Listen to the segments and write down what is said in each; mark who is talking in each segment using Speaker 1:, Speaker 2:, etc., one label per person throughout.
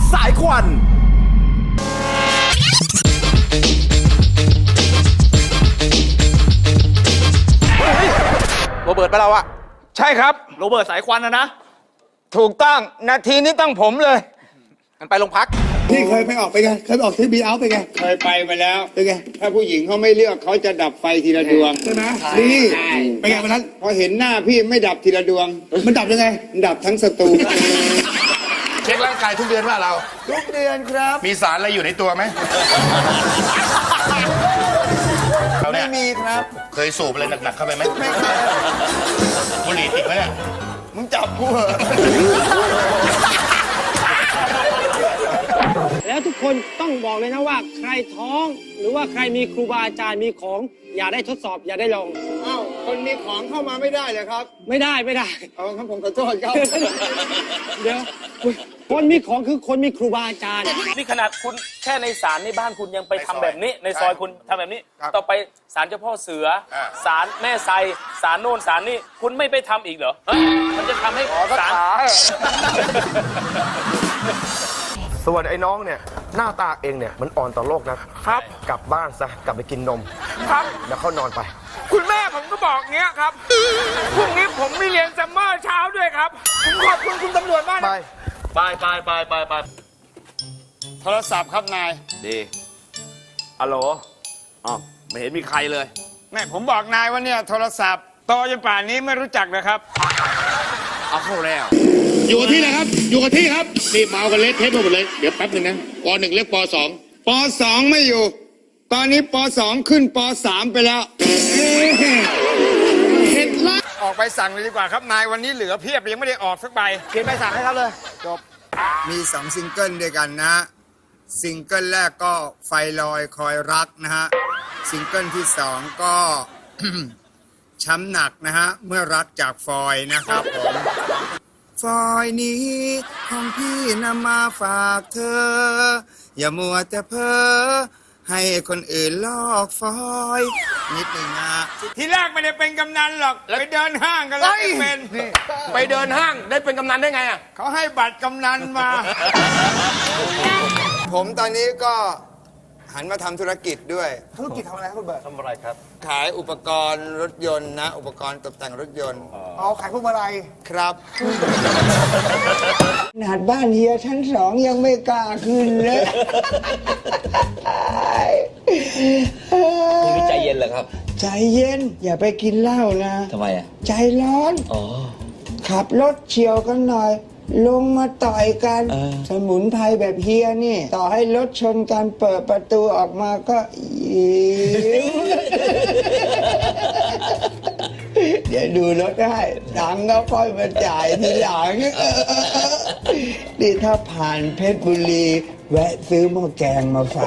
Speaker 1: สายควัน
Speaker 2: โรเบิร์ตไปเราอะ
Speaker 3: ใช่ครับ
Speaker 2: โรเบิร์ตสายควันนะ
Speaker 3: ถูกต้องนาทีนี้ต้องผมเลย
Speaker 2: งั้นไปโรงพัก
Speaker 4: พี่เคยไปออกไปไง เคยไปออกที่บีเอาไปไง
Speaker 5: เคยไปแล้ว
Speaker 4: เป็นไง
Speaker 5: ถ้าผู้หญิงเขาไม่เลือกเขาจะดับไฟทีละดวง
Speaker 4: ใช่ไหมนี่เป็นไงวันนั้น
Speaker 5: พอเห็นหน้าพี่ไม่ดับทีละดวง
Speaker 4: มันดับยังไง
Speaker 5: ดับทั้งสตู
Speaker 6: เช็คร่างกายทุกเดือนว่าเรา
Speaker 4: ทุกเดือนครับ
Speaker 6: มีสารอะไรอยู่ในตัวไหมเราเนี่ย
Speaker 4: ไม่มีครับ
Speaker 6: เคยสูบอะไรหนักๆเข้าไปไหมบุหรี่ติดไหมเนี่ย
Speaker 4: มึงจับกูเหรอ
Speaker 7: แล้วทุกคนต้องบอกเลยนะว่าใครท้องหรือว่าใครมีครูบาอาจารย์มีของอย่าได้ทดสอบอย่าได้ลอง
Speaker 5: อ้าวคนมีของเข้ามาไม่ได้เลยครับ
Speaker 7: ไม่ได้
Speaker 5: เอาครับผมขอโทษครับ
Speaker 7: เดี๋ยวคนมีของคือคนมีครูบาอาจารย์
Speaker 8: นี่ขนาดคุณแค่ในศาลในบ้านคุณยังไปทำแบบนี้ ในซอยคุณทำแบบนี้ ต่อไปศาลเจ้าพ่อเสือศาลแม่ไซศาลโน่นศาลนี่คุณไม่ไปทำอีกเหรอฮะมันจะทำให้ศาล
Speaker 9: ส่วนไอ้น้องเนี่ยหน้าตาเองเนี่ยมันอ่อนต่อโลกนะครับกลับบ้านซะกลับไปกินนม
Speaker 3: ครับ
Speaker 9: แล้วเข้านอนไป
Speaker 3: คุณแม่ผมก็บอกเงี้ยครับพรุ่งนี้ผมมีเรียนซัมเมอร์เช้าด้วยครับผมขอบคุณคุณตำรวจมาก
Speaker 9: ไป
Speaker 3: นะ
Speaker 8: ไป
Speaker 5: โทรศัพท์ครับนาย
Speaker 2: ดีฮัลโหลอ๋อไม่เห็นมีใครเลย
Speaker 5: แม่ผมบอกนายว่าเนี่ยโทรศัพท์โตจนป่านนี้ไม่รู้จักเลยครับ
Speaker 2: เอาเข้าแล้ว
Speaker 6: อยู่กับที่นะครับ อยู่กับที่ครับ นี่เมากันเละเทะไปหมดเลย เดี๋ยวแป๊บหนึ่งนะป .1 เรียกป .2
Speaker 5: ป .2 ไม่อยู่ ตอนนี้ป .2 ขึ้นป .3 ไปแล้วเห็นละออกไปสั่งเลยดีกว่าครับนายวันนี้เหลือเพียบยังไม่ได้ออกสักใบ
Speaker 3: เขียนใบสั่งให้เขาเลย จบ
Speaker 5: มี2ซิงเกิลด้วยกันนะ ซิงเกิลแรกก็ไฟลอยคอยรักนะฮะ ซิงเกิลที่2ก็ ช้ำหนักนะฮะ เมื่อรักจากฟอยนะครับผม ฟอยนี้ของพี่นำมาฝากเธอ อย่ามัวแต่เพ้อให้คนอื่นลอกฟอยนิดหนึ่งนะ ทีแรกไม่ได้เป็นกำนันหรอก ไปเดินห้างกันแล้วไม่เป็น
Speaker 9: ไปเดินห้างได้เป็นกำนันได้ไงอ่ะ
Speaker 5: เขาให้บัตรกำนันมา ผมตอนนี้ก็หันมาทำธุรกิจด้วย
Speaker 4: ธุรกิจทำอะไรครับคุณเบิร์ต
Speaker 8: ทำอะไรครับ
Speaker 5: ขายอุปกรณ์รถยนต์นะ อุปกรณ์ตกแต่งรถยนต์
Speaker 4: เอาขายพวกมาลัย
Speaker 5: ครับ
Speaker 10: ขนาดบ้านเฮียชั้น2ยังไม่กล้าขึ้นเลย
Speaker 8: นี่ใจเย็นเหรอครับ
Speaker 10: ใจเย็น อย่าไปกินเหล้านะ
Speaker 8: ทำไมอ่ะ
Speaker 10: ใจร้อน
Speaker 8: อ๋อ
Speaker 10: ขับรถเฉียวกันหน่อย ลงมาต่อยกัน สมุนไพรแบบเฮียนี่ ต่อให้รถชนกันเปิดประตูออกมาก็ยิ้ม เดี๋ยวดูรถให้ตังค์ก็ค่อยมาจ่ายทีหลัง นี่ถ้าผ่านเพชรบุรี แวะซื้อหม้อแกงมาฝาก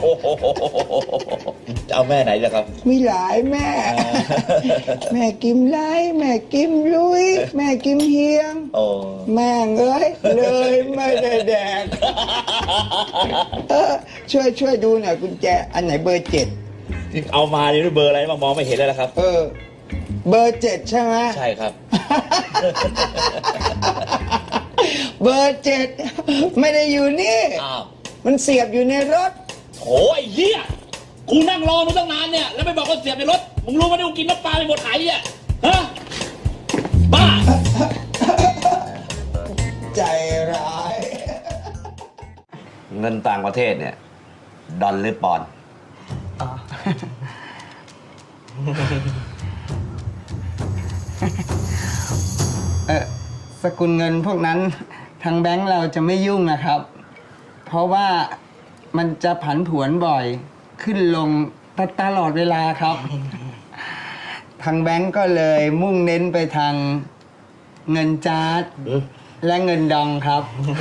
Speaker 8: จะเอาแม่ไหนล่ะครับ
Speaker 10: มีหลายแม่ แม่กิมไล่แม่กิมลุย แม่กิมเฮียง
Speaker 8: โอ้
Speaker 10: แม่งเอ้ยเลยไม่ได้แดก ช่วยดูหน่อยกุญแจ อันไหนเบอร์ 7
Speaker 8: เอามานี่เบอร์อะไรมองไม่เห็นเลยนะครับ
Speaker 10: เบอร์ 7 ใช่ไหม
Speaker 8: ใช่ครับ
Speaker 10: เบอร์ 7 ไม่ได้อยู่นี่
Speaker 8: อ้าว
Speaker 10: มันเสียบอยู่ในรถ
Speaker 8: โอ้ยเหี้ย กูนั่งรอมึงตั้งนานเนี่ย แล้วไม่บอกว่าเสียบในรถ มึงรู้ไหมว่ากูกินน้ำปลาไปหมดไหอ่ะฮะ บ้า
Speaker 10: ใจร้าย
Speaker 11: เงินต่างประเทศเนี่ย ดอลหรือปอนด์
Speaker 10: สกุลเงินพวกนั้นทางแบงก์เราจะไม่ยุ่งนะครับ เพราะว่ามันจะผันผวนบ่อยขึ้นลงตลอดเวลาครับ ทางแบงก์ก็เลยมุ่งเน้นไปทางเงินจาร์ดและเงินดองครับ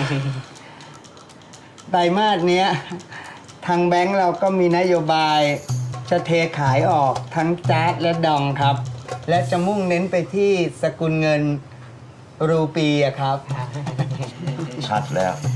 Speaker 10: ไตรมาสเนี้ยทางแบงก์เราก็มีนโยบายจะเทขายออกทั้งจาร์ดและดองครับ และจะมุ่งเน้นไปที่สกุลเงินรูปีอะครับ
Speaker 11: ชัดแล้ว